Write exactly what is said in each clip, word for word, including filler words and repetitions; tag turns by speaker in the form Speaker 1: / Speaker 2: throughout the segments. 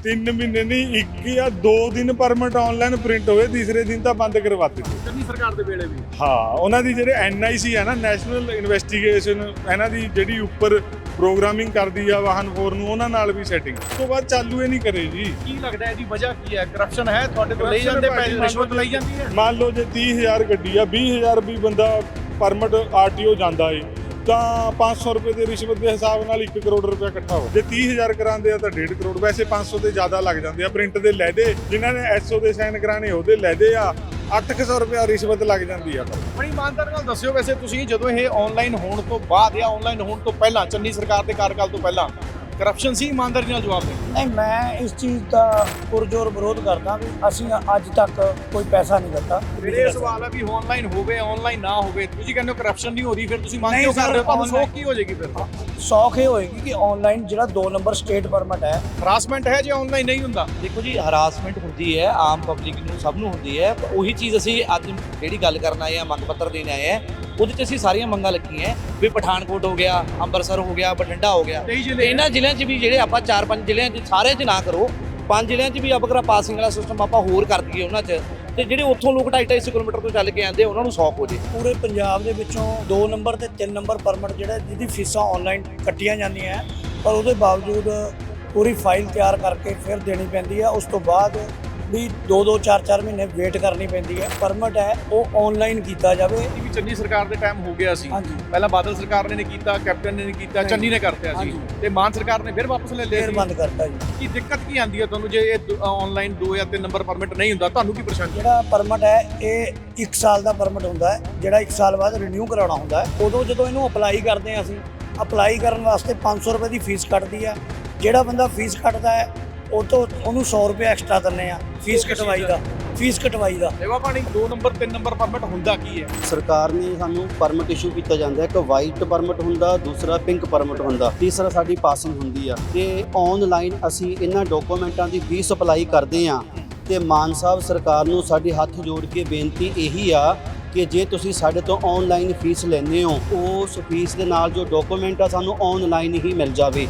Speaker 1: तीन महीने नहीं एक या दो दिन परमिट ऑनलाइन प्रिंट होए तीसरे दिन तो बंद करवा ਦਿੱਤੇ
Speaker 2: ਚੰਨੀ ਸਰਕਾਰ ਦੇ ਵੇਲੇ ਵੀ
Speaker 1: ਹਾਂ ਉਹਨਾਂ ਦੀ ਜਿਹੜੇ ਐਨ ਆਈ ਸੀ ਹੈ ਨਾ ਨੈਸ਼ਨਲ ਇਨਵੈਸਟੀਗੇਸ਼ਨ ਇਹਨਾਂ ਦੀ ਜਿਹੜੀ ਉੱਪਰ ਪ੍ਰੋਗਰਾਮਿੰਗ ਕਰਦੀ ਆ ਵਾਹਨ ਫੋਰ ਨੂੰ ਉਹਨਾਂ ਨਾਲ ਵੀ ਸੈਟਿੰਗ ਉਸ ਤੋਂ ਬਾਅਦ ਚਾਲੂ ਹੀ ਨਹੀਂ ਕਰੇ ਜੀ
Speaker 2: ਕੀ ਲੱਗਦਾ ਇਹਦੀ ਵਜ੍ਹਾ ਕੀ ਹੈ ਕਰਪਸ਼ਨ ਹੈ ਤੁਹਾਡੇ ਤੋਂ ਲਈ ਜਾਂਦੇ ਪੈਸੇ ਰਿਸ਼ਵਤ ਲਈ ਜਾਂਦੀ ਹੈ
Speaker 1: ਮੰਨ ਲਓ ਜੇ तीस हज़ार ਗੱਡੀ ਆ बीस हज़ार ਵੀ ਬੰਦਾ ਪਰਮਿਟ ਆਰ ਟੀ ਓ ਜਾਂਦਾ ਏ ਤਾਂ पाँच सौ ਰੁਪਏ ਦੇ ਰਿਸ਼ਵਤ ਦੇ ਹਿਸਾਬ ਨਾਲ ਇੱਕ ਕਰੋੜ ਰੁਪਏ ਇਕੱਠਾ ਹੋ ਜੇ तीस हज़ार ਕਰਾਉਂਦੇ ਆ ਤਾਂ डेढ़ ਕਰੋੜ ਵੈਸੇ पाँच सौ ਦੇ ਜ਼ਿਆਦਾ ਲੱਗ ਜਾਂਦੇ ਆ ਪ੍ਰਿੰਟ ਦੇ ਲੈਦੇ ਜਿਨ੍ਹਾਂ ਨੇ ਐਸ ਓ ਦੇ ਸਾਈਨ ਕਰਾਣੇ ਉਹਦੇ ਲੈਦੇ ਆ ਅੱਠ ਸੌ ਰੁਪਏ ਰਿਸ਼ਵਤ ਲੱਗ ਜਾਂਦੀ ਆ
Speaker 2: ਬੜੀ ਇਮਾਨਦਾਰੀ ਨਾਲ ਦੱਸਿਓ ਵੈਸੇ ਤੁਸੀਂ ਜਦੋਂ ਇਹ ਆਨਲਾਈਨ ਹੋਣ ਤੋਂ ਬਾਅਦ ਜਾਂ ਆਨਲਾਈਨ ਹੋਣ ਤੋਂ ਪਹਿਲਾਂ ਚੰਨੀ ਸਰਕਾਰ ਦੇ ਕਾਰਜਕਾਲ ਤੋਂ ਪਹਿਲਾਂ ਕਰਪਸ਼ਨ ਸੀ ਇਮਾਨਦਾਰੀ ਨਾਲ ਜਵਾਬ ਦੇ
Speaker 3: ਨਹੀਂ ਮੈਂ ਇਸ ਚੀਜ਼ ਦਾ ਪੁਰਜੋਰ ਵਿਰੋਧ ਕਰਦਾ ਵੀ ਅਸੀਂ ਅੱਜ ਤੱਕ ਕੋਈ ਪੈਸਾ ਨਹੀਂ ਦਿੱਤਾ।
Speaker 2: ਮੇਰੇ ਸਵਾਲ ਹੈ ਵੀ ਆਨਲਾਈਨ ਹੋਵੇ ਆਨਲਾਈਨ ਨਾ ਹੋਵੇ ਤੁਸੀਂ ਕਹਿੰਦੇ ਹੋ ਕਰਪਸ਼ਨ ਨਹੀਂ ਹੋ ਰਹੀ ਫਿਰ ਤੁਸੀਂ ਮੰਗ
Speaker 3: ਨਹੀਂ
Speaker 2: ਕਿਉਂ
Speaker 3: ਸਰ,
Speaker 2: ਕਰਦੇ ਹੋ ਤੁਹਾਨੂੰ
Speaker 3: online-
Speaker 2: ਸੌਖ ਕੀ ਹੋ ਜਾਏਗੀ ਫਿਰ
Speaker 3: ਸੌਖ ਇਹ ਹੋਏਗੀ ਕਿ ਆਨਲਾਈਨ ਜਿਹੜਾ ਦੋ ਨੰਬਰ ਸਟੇਟ ਪਰਮਿਟ ਹੈ
Speaker 2: ਹਰਾਸਮੈਂਟ ਹੈ ਜੇ ਆਨਲਾਈਨ ਨਹੀਂ ਹੁੰਦਾ
Speaker 4: ਦੇਖੋ ਜੀ ਹਰਾਸਮੈਂਟ ਹੁੰਦੀ ਹੈ ਆਮ ਪਬਲਿਕ ਨੂੰ ਸਭ ਨੂੰ ਹੁੰਦੀ ਹੈ ਪਰ ਉਹੀ ਚੀਜ਼ ਅਸੀਂ ਅੱਜ ਜਿਹੜੀ ਗੱਲ ਕਰਨ ਆਏ ਆ ਮੰਗ ਪੱਤਰ ਦੇਣ ਆਏ ਆ ਉਹਦੇ 'ਚ ਅਸੀਂ ਸਾਰੀਆਂ ਮੰਗਾਂ ਲੱਗੀਆਂ ਵੀ ਪਠਾਨਕੋਟ ਹੋ ਗਿਆ ਅੰਮ੍ਰਿਤਸਰ ਹੋ ਗਿਆ ਬਠਿੰਡਾ ਹੋ ਗਿਆ
Speaker 2: ਕਈ ਜ਼ਿਲ੍ਹੇ
Speaker 4: ਇਹਨਾਂ ਜ਼ਿਲ੍ਹਿਆਂ 'ਚ ਵੀ ਜਿਹੜੇ ਆਪਾਂ ਚਾਰ ਪੰਜ ਜ਼ਿਲ੍ਹਿਆਂ 'ਚ ਸਾਰੇ 'ਚ ਨਾ ਕਰੋ ਪੰਜ ਜ਼ਿਲ੍ਹਿਆਂ 'ਚ ਵੀ ਆਪਾਂ ਪਾਸਿੰਗ ਵਾਲਾ ਸਿਸਟਮ ਆਪਾਂ ਹੋਰ ਕਰ ਦਈਏ ਉਹਨਾਂ 'ਚ ਤੇ ਜਿਹੜੇ ਉੱਥੋਂ ਲੋਕ ਢਾਈ ਢਾਈ ਸੌ ਕਿਲੋਮੀਟਰ ਤੋਂ ਚੱਲ ਕੇ ਆਉਂਦੇ ਉਹਨਾਂ ਨੂੰ ਸੌਖ ਹੋ ਜੇ
Speaker 3: ਪੂਰੇ ਪੰਜਾਬ ਦੇ ਵਿੱਚੋਂ ਦੋ ਨੰਬਰ ਤੇ ਤਿੰਨ ਨੰਬਰ ਪਰਮਿਟ ਜਿਹੜਾ ਜਿਹਦੀ ਫੀਸਾਂ ਆਨਲਾਈਨ ਕੱਟੀਆਂ ਜਾਂਦੀਆਂ ਹੈ ਪਰ ਉਹਦੇ ਬਾਵਜੂਦ ਪੂਰੀ ਫਾਈਲ ਤਿਆਰ ਕਰਕੇ ਫਿਰ ਦੇਣੀ ਪੈਂਦੀ ਹੈ ਉਸ ਤੋਂ ਬਾਅਦ ਵੀ ਦੋ ਦੋ ਚਾਰ ਚਾਰ ਮਹੀਨੇ ਵੇਟ ਕਰਨੀ ਪੈਂਦੀ ਹੈ ਪਰਮਿਟ ਹੈ ਉਹ ਆਨਲਾਈਨ ਕੀਤਾ ਜਾਵੇ।
Speaker 2: ਵੀ ਚੰਨੀ ਸਰਕਾਰ ਦੇ ਟਾਈਮ ਹੋ ਗਿਆ ਸੀ
Speaker 3: ਹਾਂਜੀ
Speaker 2: ਪਹਿਲਾਂ ਬਾਦਲ ਸਰਕਾਰ ਨੇ ਨਹੀਂ ਕੀਤਾ ਕੈਪਟਨ ਨੇ ਨਹੀਂ ਕੀਤਾ ਚੰਨੀ ਨੇ ਕਰਤਿਆ ਸੀ
Speaker 3: ਹਾਂਜੀ।
Speaker 2: ਤੇ ਮਾਨ ਸਰਕਾਰ ਨੇ ਫਿਰ ਵਾਪਸ ਲੈ ਲਿਆ
Speaker 3: ਫਿਰ
Speaker 2: ਸੀ
Speaker 3: ਬੰਦ ਕਰਤਾ ਜੀ।
Speaker 2: ਕੀ ਦਿੱਕਤ ਕੀ ਆਂਦੀ ਹੈ ਤੁਹਾਨੂੰ ਜੇ ਇਹ ਆਨਲਾਈਨ ਦੋ ਜਾਂ ਤਿੰਨ ਨੰਬਰ ਪਰਮਿਟ ਨਹੀਂ ਹੁੰਦਾ ਤੁਹਾਨੂੰ ਕੀ ਪਰੇਸ਼ਾਨੀ
Speaker 3: ਜਿਹੜਾ ਪਰਮਿਟ ਹੈ ਇਹ ਇੱਕ ਸਾਲ ਦਾ ਪਰਮਿਟ ਹੁੰਦਾ ਹੈ ਜਿਹੜਾ ਇੱਕ ਸਾਲ ਬਾਅਦ ਰੀਨਿਊ ਕਰਾਉਣਾ ਹੁੰਦਾ ਹੈ ਉਦੋਂ ਜਦੋਂ ਇਹਨੂੰ ਅਪਲਾਈ ਕਰਦੇ ਹਾਂ ਅਸੀਂ ਅਪਲਾਈ ਕਰਨ ਵਾਸਤੇ ਪੰਜ ਸੌ ਰੁਪਏ ਦੀ ਫੀਸ ਕੱਟਦੀ ਹੈ ਜਿਹੜਾ ਬੰਦਾ ਫੀਸ ਕੱਟਦਾ ਹੈ ਉਹ ਤੋਂ ਉਹਨੂੰ ਸੌ ਰੁਪਏ ਐਕਸਟਰਾ ਦਿੰਦੇ ਆ ਫੀਸ ਕਟਵਾਈ ਦਾ ਫੀਸ ਕਟਵਾਈ ਦਾ
Speaker 2: ਸੇਵਾ ਪਾਣੀ ਦੋ ਨੰਬਰ ਤਿੰਨ ਨੰਬਰ ਪਰਮਿਟ ਹੁੰਦਾ ਕੀ ਹੈ
Speaker 5: ਸਰਕਾਰ ਨੇ ਸਾਨੂੰ ਪਰਮਿਟ ਇਸ਼ੂ ਕੀਤਾ ਜਾਂਦਾ ਹੈ ਇੱਕ ਵਾਈਟ ਪਰਮਿਟ ਹੁੰਦਾ ਦੂਸਰਾ ਪਿੰਕ ਪਰਮਿਟ ਹੁੰਦਾ ਤੀਸਰਾ ਸਾਡੀ ਪਾਸਿੰਗ ਹੁੰਦੀ ਆ ਤੇ ਆਨਲਾਈਨ ਅਸੀਂ ਇਹਨਾਂ ਡਾਕੂਮੈਂਟਾਂ ਦੀ ਫੀਸ ਅਪਲਾਈ ਕਰਦੇ ਆ ਤੇ ਮਾਨ ਸਾਹਿਬ ਸਰਕਾਰ ਨੂੰ ਸਾਡੇ ਹੱਥ ਜੋੜ ਕੇ ਬੇਨਤੀ ਇਹੀ ਆ ਕਿ ਜੇ ਤੁਸੀਂ ਸਾਡੇ ਤੋਂ ਆਨਲਾਈਨ ਫੀਸ ਲੈਂਦੇ ਹੋ ਉਸ ਫੀਸ ਦੇ ਨਾਲ ਜੋ ਡਾਕੂਮੈਂਟ ਆ ਸਾਨੂੰ ਆਨਲਾਈਨ ਹੀ ਮਿਲ ਜਾਵੇ।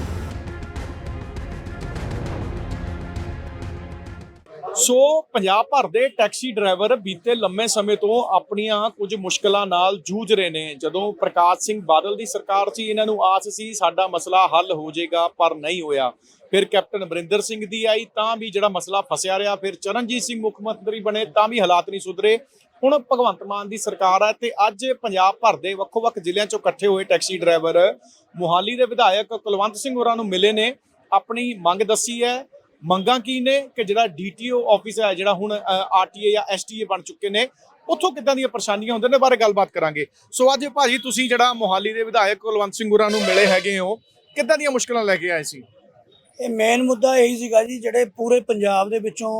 Speaker 2: ਸੋ ਪੰਜਾਬ ਭਰ ਦੇ ਟੈਕਸੀ ਡਰਾਈਵਰ ਬੀਤੇ ਲੰਮੇ ਸਮੇਂ ਤੋਂ ਆਪਣੀਆਂ ਕੁਝ ਮੁਸ਼ਕਲਾਂ ਨਾਲ ਜੂਝ ਰਹੇ ਨੇ। ਜਦੋਂ ਪ੍ਰਕਾਸ਼ ਸਿੰਘ ਬਾਦਲ ਦੀ ਸਰਕਾਰ ਸੀ ਇਹਨਾਂ ਨੂੰ ਆਸ ਸੀ ਸਾਡਾ ਮਸਲਾ ਹੱਲ ਹੋ ਜਾਏਗਾ ਪਰ ਨਹੀਂ ਹੋਇਆ। ਫਿਰ ਕੈਪਟਨ ਅਮਰਿੰਦਰ ਸਿੰਘ ਦੀ ਆਈ ਤਾਂ ਵੀ ਜਿਹੜਾ ਮਸਲਾ ਫਸਿਆ ਰਿਹਾ। ਫਿਰ ਚਰਨਜੀਤ ਸਿੰਘ ਮੁੱਖ ਮੰਤਰੀ ਬਣੇ ਤਾਂ ਵੀ ਹਾਲਾਤ ਨਹੀਂ ਸੁਧਰੇ। ਹੁਣ ਭਗਵੰਤ ਮਾਨ ਦੀ ਸਰਕਾਰ ਹੈ ਤੇ ਅੱਜ ਪੰਜਾਬ ਭਰ ਦੇ ਵੱਖੋ-ਵੱਖ ਜ਼ਿਲ੍ਹਿਆਂ ਚੋਂ ਇਕੱਠੇ ਹੋਏ ਟੈਕਸੀ ਡਰਾਈਵਰ ਮੋਹਾਲੀ ਦੇ ਵਿਧਾਇਕ ਕੁਲਵੰਤ ਸਿੰਘ ਹੋਰਾਂ ਨੂੰ ਮਿਲੇ ਨੇ ਆਪਣੀ ਮੰਗ ਦੱਸੀ ਹੈ। ਮੰਗਾਂ ਕੀ ਨੇ ਕਿ ਜਿਹੜਾ ਡੀ ਟੀ ਓ ਆਫਿਸ ਹੈ ਜਿਹੜਾ ਹੁਣ ਆਰ ਟੀ ਏ ਜਾਂ ਐਸ ਟੀ ਏ ਬਣ ਚੁੱਕੇ ਨੇ ਉੱਥੋਂ ਕਿੱਦਾਂ ਦੀਆਂ ਪਰੇਸ਼ਾਨੀਆਂ ਹੁੰਦੀਆਂ ਨੇ ਬਾਰੇ ਗੱਲਬਾਤ ਕਰਾਂਗੇ। ਸੋ ਅੱਜ ਭਾਜੀ ਤੁਸੀਂ ਜਿਹੜਾ ਮੋਹਾਲੀ ਦੇ ਵਿਧਾਇਕ ਕੁਲਵੰਤ ਸਿੰਘ ਹੋਰਾਂ ਨੂੰ ਮਿਲੇ ਹੈਗੇ ਹੋ ਕਿੱਦਾਂ ਦੀਆਂ ਮੁਸ਼ਕਲਾਂ ਲੈ ਕੇ ਆਏ ਸੀ?
Speaker 3: ਇਹ ਮੇਨ ਮੁੱਦਾ ਇਹੀ ਸੀਗਾ ਜੀ ਜਿਹੜੇ ਪੂਰੇ ਪੰਜਾਬ ਦੇ ਵਿੱਚੋਂ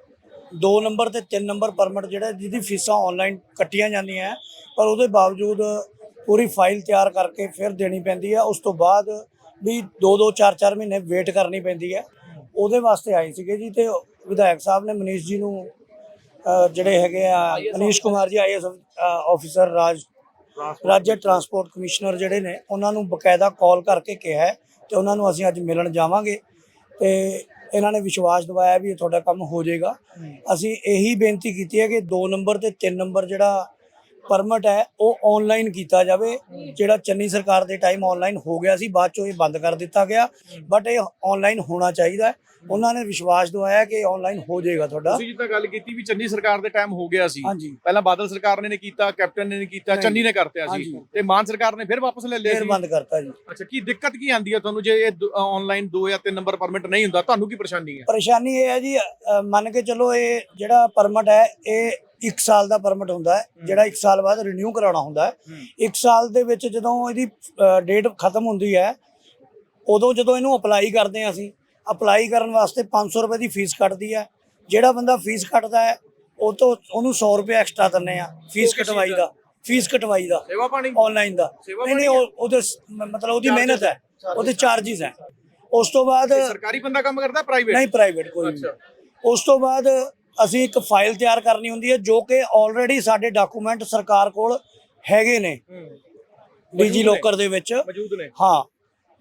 Speaker 3: ਦੋ ਨੰਬਰ ਤੇ ਤਿੰਨ ਨੰਬਰ ਪਰਮਿਟ ਜਿਹੜਾ ਜਿਹਦੀ ਫੀਸਾਂ ਆਨਲਾਈਨ ਕੱਟੀਆਂ ਜਾਂਦੀਆਂ ਪਰ ਉਹਦੇ ਬਾਵਜੂਦ ਪੂਰੀ ਫਾਈਲ ਤਿਆਰ ਕਰਕੇ ਫਿਰ ਦੇਣੀ ਪੈਂਦੀ ਹੈ ਉਸ ਤੋਂ ਬਾਅਦ ਵੀ ਦੋ ਦੋ ਚਾਰ ਚਾਰ ਮਹੀਨੇ ਵੇਟ ਕਰਨੀ ਪੈਂਦੀ ਹੈ। ਉਹਦੇ ਵਾਸਤੇ ਆਏ ਸੀਗੇ ਜੀ ਤੇ ਵਿਧਾਇਕ ਸਾਹਿਬ ਨੇ ਮਨੀਸ਼ ਜੀ ਨੂੰ ਜਿਹੜੇ ਹੈਗੇ ਆ Manish Kumar ji I S officer ਰਾਜ ਰਾਜ ਟਰਾਂਸਪੋਰਟ ਕਮਿਸ਼ਨਰ ਜਿਹੜੇ ਨੇ ਉਹਨਾਂ ਨੂੰ ਬਕਾਇਦਾ ਕਾਲ ਕਰਕੇ ਕਿਹਾ ਤੇ ਉਹਨਾਂ ਨੂੰ ਅਸੀਂ ਅੱਜ ਮਿਲਣ ਜਾਵਾਂਗੇ ਤੇ ਇਹਨਾਂ ਨੇ ਵਿਸ਼ਵਾਸ ਦਿਵਾਇਆ ਵੀ ਇਹ ਤੁਹਾਡਾ ਕੰਮ ਹੋ ਜਾਏਗਾ। ਅਸੀਂ ਇਹੀ ਬੇਨਤੀ ਕੀਤੀ ਹੈ ਕਿ ਦੋ ਨੰਬਰ ਤੇ ਤਿੰਨ ਨੰਬਰ ਜਿਹੜਾ ਪਰਮਿਟ ਹੈ ਉਹ ਆਨਲਾਈਨ ਕੀਤਾ ਜਾਵੇ। ਜਿਹੜਾ ਚੰਨੀ ਸਰਕਾਰ ਦੇ ਟਾਈਮ ਆਨਲਾਈਨ ਹੋ ਗਿਆ ਸੀ ਬਾਅਦ ਚੋਂ ਇਹ ਬੰਦ ਕਰ ਦਿੱਤਾ ਗਿਆ ਬਟ ਇਹ ਆਨਲਾਈਨ ਹੋਣਾ ਚਾਹੀਦਾ। ਉਹਨਾਂ ਨੇ ਵਿਸ਼ਵਾਸ ਦਿਵਾਇਆ ਕਿ ਆਨਲਾਈਨ ਹੋ ਜਾਏਗਾ ਤੁਹਾਡਾ।
Speaker 2: ਤੁਸੀਂ ਜਿੱਦਾਂ ਗੱਲ ਕੀਤੀ ਵੀ ਚੰਨੀ ਸਰਕਾਰ ਦੇ ਟਾਈਮ ਹੋ ਗਿਆ ਸੀ
Speaker 3: ਹਾਂਜੀ
Speaker 2: ਪਹਿਲਾਂ ਬਾਦਲ ਸਰਕਾਰ ਨੇ ਨਹੀਂ ਕੀਤਾ ਕੈਪਟਨ ਨੇ ਨਹੀਂ ਕੀਤਾ ਚੰਨੀ ਨੇ ਕਰਤਿਆ ਸੀ ਤੇ ਮਾਨ ਸਰਕਾਰ ਨੇ ਫਿਰ ਵਾਪਸ ਲੈ ਲਿਆ
Speaker 3: ਫਿਰ
Speaker 2: ਸੀ
Speaker 3: ਬੰਦ ਕਰਤਾ ਜੀ।
Speaker 2: ਅੱਛਾ ਕੀ ਦਿੱਕਤ ਕੀ ਆਂਦੀ ਹੈ ਤੁਹਾਨੂੰ ਜੇ ਇਹ ਆਨਲਾਈਨ ਦੋ ਜਾਂ ਤਿੰਨ ਨੰਬਰ ਪਰਮਿਟ ਨਹੀਂ ਹੁੰਦਾ ਤੁਹਾਨੂੰ ਕੀ ਪਰੇਸ਼ਾਨੀ ਹੈ?
Speaker 3: ਪਰੇਸ਼ਾਨੀ ਇਹ ਹੈ ਜੀ ਮੰਨ ਕੇ ਚਲੋ ਇਹ ਜਿਹੜਾ ਪਰਮਿਟ ਹੈ ਇਹ ਇੱਕ ਸਾਲ ਦਾ ਪਰਮਿਟ ਹੁੰਦਾ ਹੈ ਜਿਹੜਾ ਇੱਕ ਸਾਲ ਬਾਅਦ ਰੀਨਿਊ ਕਰਾਉਣਾ ਹੁੰਦਾ ਹੈ। ਇੱਕ ਸਾਲ ਦੇ ਵਿੱਚ ਜਦੋਂ ਇਹਦੀ ਡੇਟ ਖਤਮ ਹੁੰਦੀ ਹੈ ਉਦੋਂ ਜਦੋਂ ਇਹਨੂੰ ਅਪਲਾਈ ਕਰਦੇ ਹਾਂ ਅਸੀਂ ਅਪਲਾਈ ਕਰਨ ਵਾਸਤੇ ਪੰਜ ਸੌ ਰੁਪਏ ਦੀ ਫੀਸ ਕੱਟਦੀ ਹੈ। ਜਿਹੜਾ ਬੰਦਾ ਫੀਸ ਕੱਟਦਾ ਹੈ ਉਹ ਤੋਂ ਉਹਨੂੰ ਸੌ ਰੁਪਏ ਐਕਸਟਰਾ ਦਿੰਦੇ ਆ ਫੀਸ ਕਟਵਾਈ ਦਾ ਫੀਸ ਕਟਵਾਈ ਦਾ
Speaker 2: ਸੇਵਾ ਪਾਣੀ
Speaker 3: ਆਨਲਾਈਨ ਦਾ ਨਹੀਂ ਨਹੀਂ ਉਹਦੇ ਮਤਲਬ ਉਹਦੀ ਮਿਹਨਤ ਹੈ ਉਹਦੇ ਚਾਰजेस ਹੈ। ਉਸ ਤੋਂ ਬਾਅਦ
Speaker 2: ਸਰਕਾਰੀ ਬੰਦਾ ਕੰਮ ਕਰਦਾ ਪ੍ਰਾਈਵੇਟ
Speaker 3: ਨਹੀਂ ਪ੍ਰਾਈਵੇਟ ਕੋਈ ਨਹੀਂ। ਉਸ ਤੋਂ ਬਾਅਦ ਅਸੀਂ ਇੱਕ ਫਾਈਲ ਤਿਆਰ ਕਰਨੀ ਹੁੰਦੀ ਹੈ ਜੋ ਕਿ ਆਲਰੇਡੀ ਸਾਡੇ ਡਾਕੂਮੈਂਟ ਸਰਕਾਰ ਕੋਲ ਹੈਗੇ ਨੇ ਡੀਜੀ ਲੋਕਰ ਦੇ ਵਿੱਚ
Speaker 2: ਮੌਜੂਦ ਨੇ।
Speaker 3: ਹਾਂ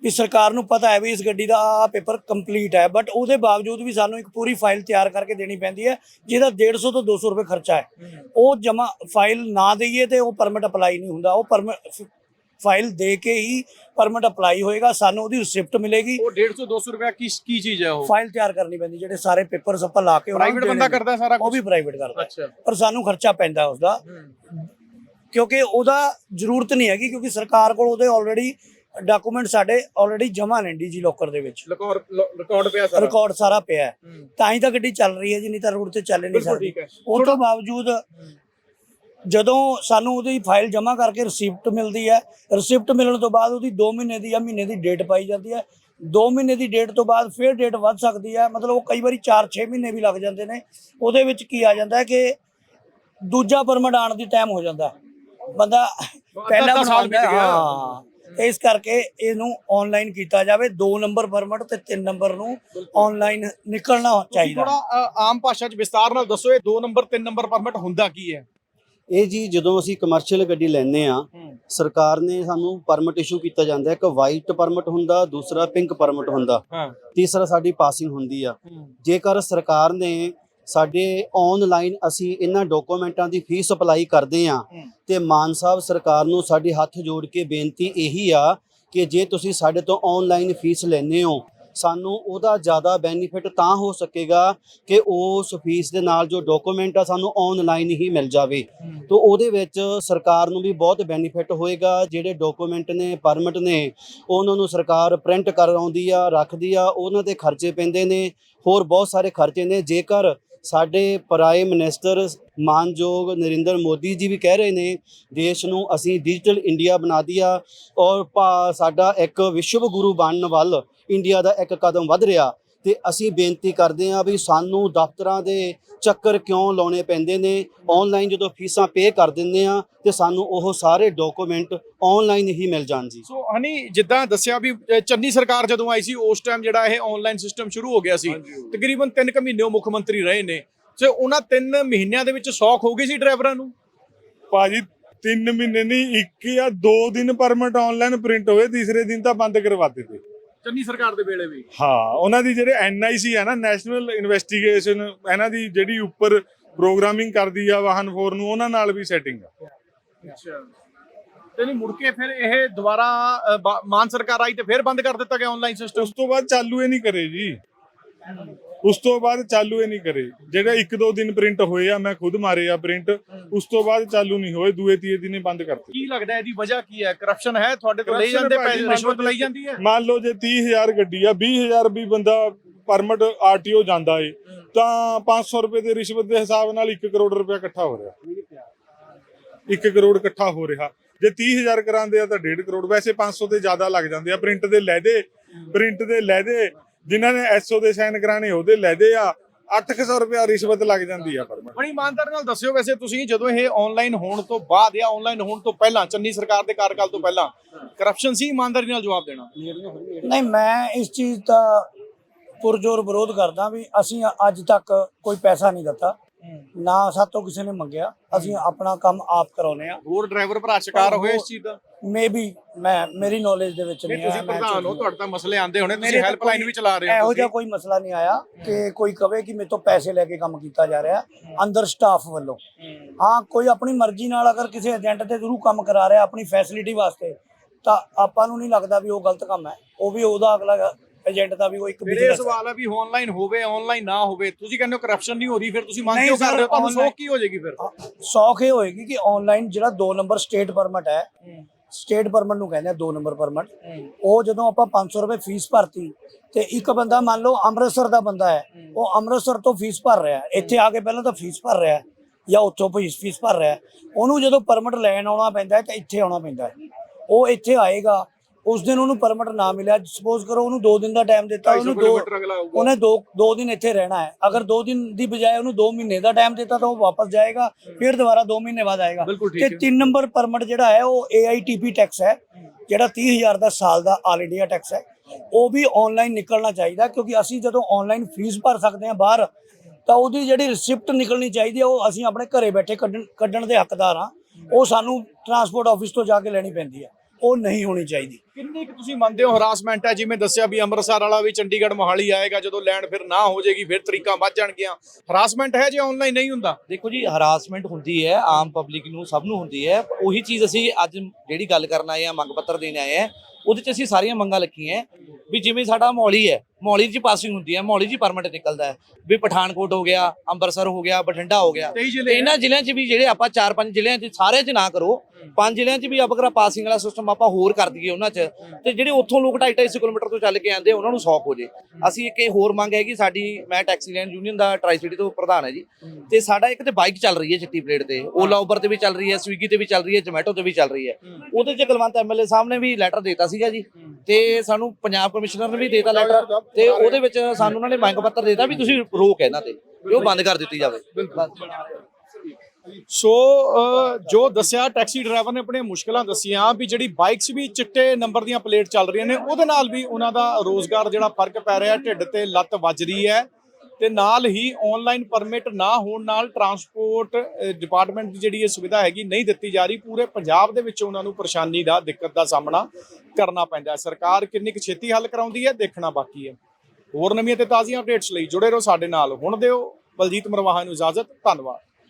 Speaker 3: ਵੀ ਸਰਕਾਰ ਨੂੰ ਪਤਾ ਹੈ ਵੀ ਇਸ ਗੱਡੀ ਦਾ ਆ ਪੇਪਰ ਕੰਪਲੀਟ ਹੈ, ਬਟ ਉਹਦੇ ਬਾਵਜੂਦ ਵੀ ਸਾਨੂੰ ਇੱਕ ਪੂਰੀ ਫਾਈਲ ਤਿਆਰ ਕਰਕੇ ਦੇਣੀ ਪੈਂਦੀ ਹੈ ਜਿਹਦਾ ਡੇਢ ਸੌ ਤੋਂ ਦੋ ਸੌ ਰੁਪਏ ਖਰਚਾ ਹੈ। ਉਹ ਜਮਾ ਫਾਈਲ ਨਾ ਦੇਈਏ ਤੇ ਉਹ ਪਰਮਿਟ ਅਪਲਾਈ ਨਹੀਂ ਹੁੰਦਾ। ਉਹ ਪਰਮਿਟ ਫਾਈਲ ਦੇ ਕੇ ਹੀ ਪਰਮਿਟ ਅਪਲਾਈ ਹੋਏਗਾ, ਸਾਨੂੰ ਉਹਦੀ ਰਿਸਿਪਟ ਮਿਲੇਗੀ।
Speaker 2: ਉਹ ਡੇਢ ਸੌ ਦੋ ਸੌ ਰੁਪਏ ਕੀ ਕੀ ਚੀਜ਼ ਹੈ ਉਹ?
Speaker 3: ਫਾਈਲ ਤਿਆਰ ਕਰਨੀ ਪੈਂਦੀ, ਜਿਹੜੇ ਸਾਰੇ ਪੇਪਰਸ ਆਪਾਂ ਲਾ ਕੇ
Speaker 2: ਪ੍ਰਾਈਵੇਟ ਬੰਦਾ ਕਰਦਾ ਸਾਰਾ
Speaker 3: ਉਹ ਵੀ ਪ੍ਰਾਈਵੇਟ ਕਰਦਾ।
Speaker 2: ਅੱਛਾ,
Speaker 3: ਪਰ ਸਾਨੂੰ ਖਰਚਾ ਪੈਂਦਾ ਉਸਦਾ, ਕਿਉਂਕਿ ਉਹਦਾ ਜ਼ਰੂਰਤ ਨਹੀਂ ਹੈਗੀ, ਕਿਉਂਕਿ ਸਰਕਾਰ ਕੋਲ ਉਹਦੇ ਆਲਰੇਡੀ ਡਾਕੂਮੈਂਟ ਸਾਡੇ ਆਲਰੇਡੀ ਜਮ੍ਹਾਂ ਨੇ ਡੀਜੀ ਲੋਕਰ ਦੇ ਵਿੱਚ।
Speaker 2: ਰਿਕਾਰਡ ਰਿਕਾਰਡ ਪਿਆ ਸਾਰਾ,
Speaker 3: ਰਿਕਾਰਡ ਸਾਰਾ ਪਿਆ ਹੈ, ਤਾਂ ਹੀ ਤਾਂ ਗੱਡੀ ਚੱਲ ਰਹੀ ਹੈ ਜੀ, ਨਹੀਂ ਤਾਂ ਰੋਡ ਤੇ ਚੱਲ ਨਹੀਂ ਸਕਦੀ। ਉਹ ਤੋਂ ਬਾਵਜੂਦ ਜਦੋਂ ਸਾਨੂੰ ਉਹਦੀ ਫਾਈਲ ਜਮ੍ਹਾਂ ਕਰਕੇ ਰਿਸਿਪਟ ਮਿਲਦੀ ਹੈ, ਰਿਸਿਪਟ ਮਿਲਣ ਤੋਂ ਬਾਅਦ ਉਹਦੀ ਦੋ ਮਹੀਨੇ ਦੀ ਜਾਂ ਮਹੀਨੇ ਦੀ ਡੇਟ ਪਾਈ ਜਾਂਦੀ ਹੈ। ਦੋ ਮਹੀਨੇ ਦੀ ਡੇਟ ਤੋਂ ਬਾਅਦ ਫਿਰ ਡੇਟ ਵੱਧ ਸਕਦੀ ਹੈ, ਮਤਲਬ ਉਹ ਕਈ ਵਾਰੀ ਚਾਰ ਛੇ ਮਹੀਨੇ ਵੀ ਲੱਗ ਜਾਂਦੇ ਨੇ। ਉਹਦੇ ਵਿੱਚ ਕੀ ਆ ਜਾਂਦਾ ਹੈ ਕਿ ਦੂਜਾ ਪਰਮਿਟ ਆਉਣ ਦੀ ਟਾਈਮ ਹੋ ਜਾਂਦਾ, ਬੰਦਾ ਪਹਿਲਾ
Speaker 2: ਸਾਲ ਬੀਤ ਗਿਆ।
Speaker 3: ਹਾਂ, ਇਸ ਕਰਕੇ ਇਹਨੂੰ ਆਨਲਾਈਨ ਕੀਤਾ ਜਾਵੇ। ਦੋ ਨੰਬਰ ਪਰਮਿਟ ਤੇ ਤਿੰਨ ਨੰਬਰ ਨੂੰ ਆਨਲਾਈਨ ਨਿਕਲਣਾ ਚਾਹੀਦਾ।
Speaker 2: ਥੋੜਾ ਆਮ ਭਾਸ਼ਾ 'ਚ ਵਿਸਤਾਰ ਨਾਲ ਦੱਸੋ, ਇਹ ਦੋ ਨੰਬਰ ਤਿੰਨ ਨੰਬਰ ਪਰਮਿਟ ਹੁੰਦਾ ਕੀ ਹੈ?
Speaker 5: ਇਹ ਜੀ ਜਦੋਂ ਅਸੀਂ ਕਮਰਸ਼ੀਅਲ ਗੱਡੀ ਲੈਂਦੇ ਆ, ਸਰਕਾਰ ਨੇ ਸਾਨੂੰ ਪਰਮਿਟ ਇਸ਼ੂ ਕੀਤਾ ਜਾਂਦਾ ਹੈ। ਇੱਕ ਵਾਈਟ ਪਰਮਿਟ ਹੁੰਦਾ, ਦੂਸਰਾ ਪਿੰਕ ਪਰਮਿਟ ਹੁੰਦਾ, ਤੀਸਰਾ ਸਾਡੀ ਪਾਸਿੰਗ ਹੁੰਦੀ ਆ। ਜੇਕਰ ਸਰਕਾਰ ਨੇ ਸਾਡੇ ਆਨਲਾਈਨ ਅਸੀਂ ਇਹਨਾਂ ਡਾਕੂਮੈਂਟਾਂ ਦੀ ਫੀਸ ਅਪਲਾਈ ਕਰਦੇ ਆ ਤੇ ਮਾਨ ਸਾਹਿਬ ਸਰਕਾਰ ਨੂੰ ਸਾਡੇ ਹੱਥ ਜੋੜ ਕੇ ਬੇਨਤੀ ਇਹੀ ਆ ਕਿ ਜੇ ਤੁਸੀਂ ਸਾਡੇ ਤੋਂ ਆਨਲਾਈਨ ਫੀਸ ਲੈਂਦੇ ਹੋ, ਸਾਨੂੰ ਉਹਦਾ ਜ਼ਿਆਦਾ ਬੈਨੀਫਿਟ ਤਾਂ ਹੋ ਸਕੇਗਾ ਕਿ ਉਸ ਫੀਸ ਦੇ ਨਾਲ ਜੋ ਡਾਕੂਮੈਂਟ ਆ ਸਾਨੂੰ ਆਨਲਾਈਨ ਹੀ ਮਿਲ ਜਾਵੇ। ਤਾਂ ਉਹਦੇ ਵਿੱਚ ਸਰਕਾਰ ਨੂੰ ਵੀ ਬਹੁਤ ਬੈਨੀਫਿਟ ਹੋਏਗਾ। ਜਿਹੜੇ ਡਾਕੂਮੈਂਟ ਨੇ, ਪਰਮਿਟ ਨੇ, ਉਹਨਾਂ ਨੂੰ ਸਰਕਾਰ ਪ੍ਰਿੰਟ ਕਰਾਉਂਦੀ ਆ, ਰੱਖਦੀ ਆ, ਉਹਨਾਂ ਦੇ ਖਰਚੇ ਪੈਂਦੇ ਨੇ, ਹੋਰ ਬਹੁਤ ਸਾਰੇ ਖਰਚੇ ਨੇ। ਜੇਕਰ ਸਾਡੇ ਪ੍ਰਾਈਮ ਮਿਨਿਸਟਰ ਮਾਨਯੋਗ ਨਰਿੰਦਰ ਮੋਦੀ ਜੀ ਵੀ ਕਹਿ ਰਹੇ ਨੇ ਦੇਸ਼ ਨੂੰ ਅਸੀਂ ਡਿਜੀਟਲ ਇੰਡੀਆ ਬਣਾ ਦਿਆ ਔਰ ਸਾਡਾ ਇੱਕ ਵਿਸ਼ਵ ਗੁਰੂ ਬਣਨ ਵੱਲ ਇੰਡੀਆ ਦਾ ਇੱਕ ਕਦਮ ਵੱਧ ਰਿਹਾ, ਤੇ ਅਸੀਂ ਬੇਨਤੀ ਕਰਦੇ ਹਾਂ ਵੀ ਸਾਨੂੰ ਦਫ਼ਤਰਾਂ ਦੇ ਚੱਕਰ ਕਿਉਂ ਲਾਉਣੇ ਪੈਂਦੇ ਨੇ। ਆਨਲਾਈਨ ਜਦੋਂ ਫੀਸਾਂ ਪੇ ਕਰ ਦਿੰਦੇ ਆ ਤੇ ਸਾਨੂੰ ਉਹ ਸਾਰੇ ਡਾਕੂਮੈਂਟ ਆਨਲਾਈਨ ਹੀ ਮਿਲ ਜਾਣ ਜੀ।
Speaker 2: ਸੋ ਹਨੀ, ਜਿੱਦਾਂ ਦੱਸਿਆ ਵੀ ਚੰਨੀ ਸਰਕਾਰ ਜਦੋਂ ਆਈ ਸੀ ਉਸ ਟਾਈਮ ਜਿਹੜਾ ਇਹ ਆਨਲਾਈਨ ਸਿਸਟਮ ਸ਼ੁਰੂ ਹੋ ਗਿਆ ਸੀ। ਤਕਰੀਬਨ ਤਿੰਨ ਕੁ ਮਹੀਨੇ ਉਹ ਮੁੱਖ ਮੰਤਰੀ ਰਹੇ ਨੇ, ਸੋ ਉਹਨਾਂ ਤਿੰਨ ਮਹੀਨਿਆਂ ਦੇ ਵਿੱਚ ਸੌਖ ਹੋ ਗਈ ਸੀ ਡਰਾਈਵਰਾਂ ਨੂੰ?
Speaker 1: ਭਾਜੀ ਤਿੰਨ ਮਹੀਨੇ ਨਹੀਂ, ਇੱਕ ਜਾਂ ਦੋ ਦਿਨ ਪਰਮਿਟ ਆਨਲਾਈਨ ਪ੍ਰਿੰਟ ਹੋਏ, ਤੀਸਰੇ ਦਿਨ ਤਾਂ ਬੰਦ ਕਰਵਾ ਦਿੱਤੇ
Speaker 2: ਚੰਨੀ ਸਰਕਾਰ ਦੇ ਵੇਲੇ ਵੀ।
Speaker 1: ਹਾਂ, ਉਹਨਾਂ ਦੀ ਜਿਹੜੇ ਐਨ ਆਈ ਸੀ ਹੈ ਨਾ, ਨੈਸ਼ਨਲ ਇਨਵੈਸਟੀਗੇਸ਼ਨ, ਇਹਨਾਂ ਦੀ ਜਿਹੜੀ ਉੱਪਰ ਪ੍ਰੋਗਰਾਮਿੰਗ ਕਰਦੀ ਆ ਵਾਹਨ ਫੋਰ ਨੂੰ, ਉਹਨਾਂ ਨਾਲ ਵੀ ਸੈਟਿੰਗ ਆ।
Speaker 2: ਅੱਛਾ, ਤੇ ਨਹੀਂ ਮੁੜ ਕੇ ਫਿਰ ਇਹ ਦੁਬਾਰਾ ਮਾਨ ਸਰਕਾਰ ਆਈ ਤੇ ਫਿਰ ਬੰਦ ਕਰ ਦਿੱਤਾ ਗਿਆ ਆਨਲਾਈਨ ਸਿਸਟਮ?
Speaker 1: ਉਸ ਤੋਂ ਬਾਅਦ ਚਾਲੂ ਇਹ ਨਹੀਂ ਕਰੇ ਜੀ, ਉਸ ਤੋਂ ਬਾਅਦ ਚਾਲੂ ਇਹ ਨਹੀਂ ਕਰੇ। ਜਿਹੜਾ ਇੱਕ ਦੋ ਦਿਨ ਪ੍ਰਿੰਟ ਹੋਏ ਆ, ਮੈਂ ਖੁਦ ਮਾਰੇ ਆ ਪ੍ਰਿੰਟ, ਉਸ ਤੋਂ ਬਾਅਦ ਚਾਲੂ ਨਹੀਂ ਹੋਏ, ਦੂਏ ਤੀਏ ਦਿਨ ਹੀ ਬੰਦ ਕਰਤੇ।
Speaker 2: ਕੀ ਲੱਗਦਾ ਇਹਦੀ ਵਜ੍ਹਾ ਕੀ ਹੈ? ਕਰਪਸ਼ਨ ਹੈ? ਤੁਹਾਡੇ ਤੋਂ ਲਈ ਜਾਂਦੇ ਪੈਸੇ, ਰਿਸ਼ਵਤ ਲਈ ਜਾਂਦੀ ਹੈ?
Speaker 1: ਮੰਨ ਲਓ ਜੇ ਤੀਹ ਹਜ਼ਾਰ ਗੱਡੀ ਆ, ਵੀਹ ਹਜ਼ਾਰ ਵੀ ਬੰਦਾ ਪਰਮਿਟ ਆਰਟੀਓ ਜਾਂਦਾ ਏ, ਤਾਂ ਪੰਜ ਸੌ ਰੁਪਏ ਦੇ ਰਿਸ਼ਵਤ ਦੇ ਹਿਸਾਬ ਨਾਲ ਇੱਕ ਕਰੋੜ ਰੁਪਇਆ ਇਕੱਠਾ ਹੋ ਰਿਹਾ। ਇੱਕ ਕਰੋੜ ਇਕੱਠਾ ਹੋ ਰਿਹਾ। ਜੇ ਤੀਹ ਹਜ਼ਾਰ ਕਰਾਉਂਦੇ ਆ ਤਾਂ ਡੇਢ ਕਰੋੜ। ਵੈਸੇ ਪੰਜ ਸੌ ਤੇ ਜ਼ਿਆਦਾ ਲੱਗ ਜਾਂਦੇ ਆ। ਪ੍ਰਿੰਟ ਦੇ ਲੈਦੇ ਪ੍ਰਿੰਟ ਦੇ ਲੈਦੇ ਜਿਨ੍ਹਾਂ ਨੇ ਐਸਓ ਦੇ ਸਾਈਨ ਕਰਾਣੇ ਉਹਦੇ ਲੈਦੇ ਆ, ਅੱਠ ਸੌ ਰੁਪਇਆ ਰਿਸ਼ਵਤ ਲੱਗ ਜਾਂਦੀ ਆ ਪਰਮਿਟ।
Speaker 2: ਬੜੀ ਇਮਾਨਦਾਰੀ ਨਾਲ ਦੱਸਿਓ, ਵੈਸੇ ਤੁਸੀਂ ਜਦੋਂ ਇਹ ਆਨਲਾਈਨ ਹੋਣ ਤੋਂ ਬਾਅਦ ਜਾਂ ਆਨਲਾਈਨ ਹੋਣ ਤੋਂ ਪਹਿਲਾਂ, ਚੰਨੀ ਸਰਕਾਰ ਦੇ ਕਾਰਜਕਾਲ ਤੋਂ ਪਹਿਲਾਂ ਕਰਪਸ਼ਨ ਸੀ? ਇਮਾਨਦਾਰੀ ਨਾਲ ਜਵਾਬ ਦੇਣਾ।
Speaker 3: ਨਹੀਂ, ਮੈਂ ਇਸ ਚੀਜ਼ ਦਾ ਪੁਰਜੋਰ ਵਿਰੋਧ ਕਰਦਾ ਵੀ ਅਸੀਂ ਅੱਜ ਤੱਕ ਕੋਈ ਪੈਸਾ ਨਹੀਂ ਦਿੱਤਾ, ਨਾ ਸਾਤੋਂ ਕਿਸੇ ਨੇ ਮੰਗਿਆ। ਅਸੀਂ ਆਪਣਾ ਕੰਮ ਆਪ ਕਰਾਉਨੇ ਆ।
Speaker 2: ਹੋਰ ਡਰਾਈਵਰ ਭਰਾ ਸ਼ਿਕਾਰ ਹੋਏ ਇਸ ਚੀਜ਼ ਦਾ?
Speaker 3: ਮੇ ਵੀ ਮੈਂ ਮੇਰੀ ਨੌਲੇਜ ਦੇ ਵਿੱਚ ਨਹੀਂ ਆਇਆ।
Speaker 2: ਤੁਸੀਂ ਪ੍ਰਧਾਨ ਹੋ, ਤੁਹਾਡੇ ਤਾਂ ਮਸਲੇ ਆਉਂਦੇ ਹੋਣੇ, ਤੁਸੀਂ ਹੈਲਪਲਾਈਨ ਵੀ ਚਲਾ ਰਹੇ ਹੋ।
Speaker 3: ਇਹੋ ਜਿਹਾ ਕੋਈ ਮਸਲਾ ਨਹੀਂ ਆਇਆ ਕਿ ਕੋਈ ਕਵੇ ਕਿ ਮੇਰੇ ਤੋਂ ਪੈਸੇ ਲੈ ਕੇ ਕੰਮ ਕੀਤਾ ਜਾ ਰਿਹਾ ਅੰਦਰ ਸਟਾਫ ਵੱਲੋਂ। ਹਾਂ, ਕੋਈ ਆਪਣੀ ਮਰਜ਼ੀ ਨਾਲ ਅਗਰ ਕਿਸੇ ਏਜੰਟ ਦੇ ਥਰੂ ਕੰਮ ਕਰਾ ਰਿਹਾ ਆਪਣੀ ਫੈਸਿਲਿਟੀ ਵਾਸਤੇ, ਤਾਂ ਆਪਾਂ ਨੂੰ ਨਹੀਂ ਲੱਗਦਾ ਵੀ ਉਹ ਗਲਤ ਕੰਮ ਹੈ। ਉਹ ਵੀ ਉਹਦਾ ਅਗਲਾ ਏਜੰਟ ਦਾ ਵੀ ਉਹ ਇੱਕ
Speaker 2: ਬਿਜ਼ਨਸ ਸਵਾਲ ਹੈ ਵੀ ਆਨਲਾਈਨ ਹੋਵੇ ਆਨਲਾਈਨ ਨਾ ਹੋਵੇ। ਤੁਸੀਂ ਕਹਿੰਦੇ ਹੋ ਕਰਪਸ਼ਨ ਨਹੀਂ ਹੋ ਰਹੀ, ਫਿਰ ਤੁਸੀਂ ਮੰਗ ਕਿਉਂ ਕਰ ਰਹੇ ਹੋ? ਤੁਹਾਨੂੰ ਸੌਖ ਕੀ ਹੋ ਜਾਏਗੀ ਫਿਰ?
Speaker 3: ਸੌਖ ਇਹ ਹੋਏਗੀ ਕਿ ਆਨਲਾਈਨ ਜਿਹੜਾ ਦੋ ਨੰਬਰ ਸਟੇਟ ਪਰਮਿਟ ਹੈ, ਸਟੇਟ ਪਰਮਿਟ ਨੂੰ ਕਹਿੰਦੇ ਆ ਦੋ ਨੰਬਰ ਪਰਮਿਟ, ਉਹ ਜਦੋਂ ਆਪਾਂ ਪੰਜ ਸੌ ਰੁਪਏ ਫੀਸ ਭਰਤੀ ਤੇ ਇੱਕ ਬੰਦਾ ਮੰਨ ਲਓ ਅੰਮ੍ਰਿਤਸਰ ਦਾ ਬੰਦਾ ਹੈ, ਉਹ ਅੰਮ੍ਰਿਤਸਰ ਤੋਂ ਫੀਸ ਭਰ ਰਿਹਾ, ਇੱਥੇ ਆ ਕੇ ਪਹਿਲਾਂ ਤਾਂ ਫੀਸ ਭਰ ਰਿਹਾ ਜਾਂ ਉੱਥੋਂ ਫੀਸ ਭਰ ਰਿਹਾ, ਉਹਨੂੰ ਜਦੋਂ ਪਰਮਿਟ ਲੈਣ ਆਉਣਾ ਪੈਂਦਾ ਹੈ ਤਾਂ ਇੱਥੇ ਆਉਣਾ ਪੈਂਦਾ ਹੈ। ਉਹ ਇੱਥੇ ਆਏਗਾ, ਉਸ ਦਿਨ ਉਹਨੂੰ ਪਰਮਿਟ ਨਾ ਮਿਲਿਆ, ਸਪੋਜ਼ ਕਰੋ ਉਹਨੂੰ ਦੋ ਦਿਨ ਦਾ ਟਾਈਮ ਦਿੱਤਾ, ਉਹਨੂੰ ਦੋ ਉਹਨੇ ਦੋ ਦੋ ਦਿਨ ਇੱਥੇ ਰਹਿਣਾ ਹੈ। ਅਗਰ ਦੋ ਦਿਨ ਦੀ ਬਜਾਏ ਉਹਨੂੰ ਦੋ ਮਹੀਨੇ ਦਾ ਟਾਈਮ ਦਿੱਤਾ ਤਾਂ ਉਹ ਵਾਪਸ ਜਾਏਗਾ, ਫਿਰ ਦੁਬਾਰਾ ਦੋ ਮਹੀਨੇ ਬਾਅਦ ਆਏਗਾ। ਤੇ ਤਿੰਨ ਨੰਬਰ ਪਰਮਿਟ ਜਿਹੜਾ ਹੈ ਉਹ ਏ ਆਈ ਟੀ ਪੀ ਟੈਕਸ ਹੈ, ਜਿਹੜਾ ਤੀਹ ਹਜ਼ਾਰ ਦਾ ਸਾਲ ਦਾ ਆਲ ਇੰਡੀਆ ਟੈਕਸ ਹੈ। ਉਹ ਵੀ ਆਨਲਾਈਨ ਨਿਕਲਣਾ ਚਾਹੀਦਾ, ਕਿਉਂਕਿ ਅਸੀਂ ਜਦੋਂ ਆਨਲਾਈਨ ਫੀਸ ਭਰ ਸਕਦੇ ਹਾਂ ਬਾਹਰ, ਤਾਂ ਉਹਦੀ ਜਿਹੜੀ ਰਿਸਿਪਟ ਨਿਕਲਣੀ ਚਾਹੀਦੀ ਹੈ, ਉਹ ਅਸੀਂ ਆਪਣੇ ਘਰੇ ਬੈਠੇ ਕੱਢਣ ਕੱਢਣ ਦੇ ਹੱਕਦਾਰ ਹਾਂ। ਉਹ ਸਾਨੂੰ ਟਰਾਂਸਪੋਰਟ ਆਫਿਸ ਤੋਂ ਜਾ ਕੇ ਲੈਣੀ ਪੈਂਦੀ ਹੈ, ਉਹ ਨਹੀਂ ਹੋਣੀ ਚਾਹੀਦੀ।
Speaker 2: ਕਿੰਨੀ ਕੁ ਤੁਸੀਂ ਮੰਨਦੇ ਹੋ ਹਰਾਸਮੈਂਟ ਹੈ? ਜਿਵੇਂ ਦੱਸਿਆ ਵੀ ਅੰਮ੍ਰਿਤਸਰ ਵਾਲਾ ਵੀ ਚੰਡੀਗੜ੍ਹ ਮੋਹਾਲੀ ਆਏਗਾ, ਜਦੋਂ ਲੈਣ ਫਿਰ ਨਾ ਹੋ ਜਾਏਗੀ ਫਿਰ ਤਰੀਕਾਂ ਵੱਧ ਜਾਣਗੀਆਂ। ਹਰਾਸਮੈਂਟ ਹੈ ਜੇ ਆਨਲਾਈਨ ਨਹੀਂ ਹੁੰਦਾ?
Speaker 4: ਦੇਖੋ ਜੀ, ਹਰਾਸਮੈਂਟ ਹੁੰਦੀ ਹੈ, ਆਮ ਪਬਲਿਕ ਨੂੰ ਸਭ ਨੂੰ ਹੁੰਦੀ ਹੈ। ਉਹੀ ਚੀਜ਼ ਅਸੀਂ ਅੱਜ ਜਿਹੜੀ ਗੱਲ ਕਰਨ ਆਏ ਆ, ਮੰਗ ਪੱਤਰ ਦੇਣ ਆਏ ਆ, ਉਹਦੇ 'ਚ ਅਸੀਂ ਸਾਰੀਆਂ ਮੰਗਾਂ ਲਿਖੀਆਂ ਵੀ ਜਿਵੇਂ ਸਾਡਾ ਮੌਲੀ ਹੈ, ਮੌਲੀ 'ਚ ਪਾਸਿੰਗ ਹੁੰਦੀ ਹੈ, ਮੌਲੀ 'ਚ ਪਰਮਿਟ ਨਿਕਲਦਾ ਹੈ, ਵੀ ਪਠਾਨਕੋਟ ਹੋ ਗਿਆ, ਅੰਮ੍ਰਿਤਸਰ ਹੋ ਗਿਆ, ਬਠਿੰਡਾ ਹੋ ਗਿਆ,
Speaker 2: ਤੇਈ
Speaker 4: ਤੇ
Speaker 2: ਜ਼ਿਲ੍ਹੇ
Speaker 4: ਇਹਨਾਂ ਜ਼ਿਲ੍ਹਿਆਂ 'ਚ ਵੀ ਜਿਹੜੇ ਆਪਾਂ ਚਾਰ ਪੰਜ ਜ਼ਿਲ੍ਹਿਆਂ 'ਚ ਸਾਰਿਆਂ 'ਚ ਨਾ ਕਰੋ, ਪੰਜ ਜ਼ਿਲ੍ਹਿਆਂ 'ਚ ਵੀ ਆਪਾਂ ਪਾਸਿੰਗ ਵਾਲਾ ਸਿਸਟਮ ਆਪਾਂ ਹੋਰ ਕਰ ਦਈਏ ਉਹਨਾਂ 'ਚ, ਤੇ ਜਿਹੜੇ ਉੱਥੋਂ ਲੋਕ ਢਾਈ ਢਾਈ ਸੌ ਕਿਲੋਮੀਟਰ ਤੋਂ ਚੱਲ ਕੇ ਆਉਂਦੇ ਉਹਨਾਂ ਨੂੰ ਸੌਖ ਹੋ ਜੇ। ਅਸੀਂ ਇੱਕ ਇਹ ਹੋਰ ਮੰਗ ਹੈਗੀ ਸਾਡੀ, ਮੈਂ ਟੈਕਸੀ ਲੈਂਡ ਯੂਨੀਅਨ ਦਾ ਟਰਾਈ ਸਿਟੀ ਤੋਂ ਪ੍ਰਧਾਨ ਹੈ ਜੀ, ਤੇ ਸਾਡਾ ਇੱਕ ਤੇ ਬਾਈਕ ਚੱਲ ਰਹੀ ਹੈ ਚਿੱਟੀ ਪਲੇਟ ਤੇ, ਓਲਾ ਉਬਰ ਤੇ ਵੀ ਚੱਲ ਰਹੀ ਹੈ, ਸਵੀਗੀ ਤੇ ਵੀ ਚੱਲ ਰਹੀ ਹੈ, ਜੋਮੈਟੋ ਤੇ ਵੀ ਚੱਲ ਰਹੀ ਹੈ। ਉਹਦੇ 'ਚ ਕੁਲਵੰਤ ਐਮਐਲਏ ਸਾਹਿਬ ਨੇ ਵੀ ਲੈਟਰ ਦਿੱਤਾ ਸੀਗਾ ਜੀ, ਤੇ ਸਾਨੂੰ ਪੰਜਾਬ ਕਮਿਸ਼ਨਰ ਨੇ ਵੀ ਦੇਤਾ ਲੈਟਰ, ਤੇ ਉਹਦੇ ਵਿੱਚ ਸਾਨੂੰ ਉਹਨਾਂ ਨੇ ਮੰਗ ਪੱਤਰ ਦਿੱਤਾ ਵੀ ਤੁਸੀਂ ਰੋਕ ਇਹਨਾਂ ਤੇ, ਵੀ ਉਹ ਬੰਦ ਕਰ ਦਿੱਤੀ ਜਾਵੇ।
Speaker 2: ਸੋ ਅ, ਜੋ ਦੱਸਿਆ ਟੈਕਸੀ ਡਰਾਈਵਰ ਨੇ ਆਪਣੀਆਂ ਮੁਸ਼ਕਲਾਂ ਦੱਸੀਆਂ ਵੀ ਜਿਹੜੀ ਬਾਈਕਸ ਵੀ ਚਿੱਟੇ ਨੰਬਰ ਦੀਆਂ ਪਲੇਟ ਚੱਲ ਰਹੀਆਂ ਨੇ, ਉਹਦੇ ਨਾਲ ਵੀ ਉਹਨਾਂ ਦਾ ਰੋਜ਼ਗਾਰ ਜਿਹੜਾ ਫਰਕ ਪੈ ਰਿਹਾ, ਢਿੱਡ ਤੇ ਲੱਤ ਵੱਜ ਰਹੀ ਹੈ, ਤੇ ਨਾਲ ਹੀ ਆਨਲਾਈਨ ਪਰਮਿਟ ਨਾ ਹੋਣ ਨਾਲ ਟਰਾਂਸਪੋਰਟ ਡਿਪਾਰਟਮੈਂਟ ਦੀ ਜਿਹੜੀ ਇਹ ਸੁਵਿਧਾ ਹੈਗੀ ਨਹੀਂ ਦਿੱਤੀ ਜਾ ਰਹੀ। ਪੂਰੇ ਪੰਜਾਬ ਦੇ ਵਿੱਚ ਉਹਨਾਂ ਨੂੰ ਪਰੇਸ਼ਾਨੀ ਦਾ, ਦਿੱਕਤ ਦਾ ਸਾਹਮਣਾ ਕਰਨਾ ਪੈਂਦਾ ਹੈ। ਸਰਕਾਰ ਕਿੰਨੀ ਕੁ ਛੇਤੀ ਹੱਲ ਕਰਾਉਂਦੀ ਹੈ, ਦੇਖਣਾ ਬਾਕੀ ਹੈ। ਹੋਰ ਨਵੀਆਂ ਤੇ ਤਾਜ਼ੀਆਂ ਅਪਡੇਟਸ ਲਈ ਜੁੜੇ ਰਹੋ ਸਾਡੇ ਨਾਲ। ਹੁਣ ਦਿਓ ਬਲਜੀਤ ਮਰਵਾਹਾ ਨੂੰ ਇਜਾਜ਼ਤ। ਧੰਨਵਾਦ।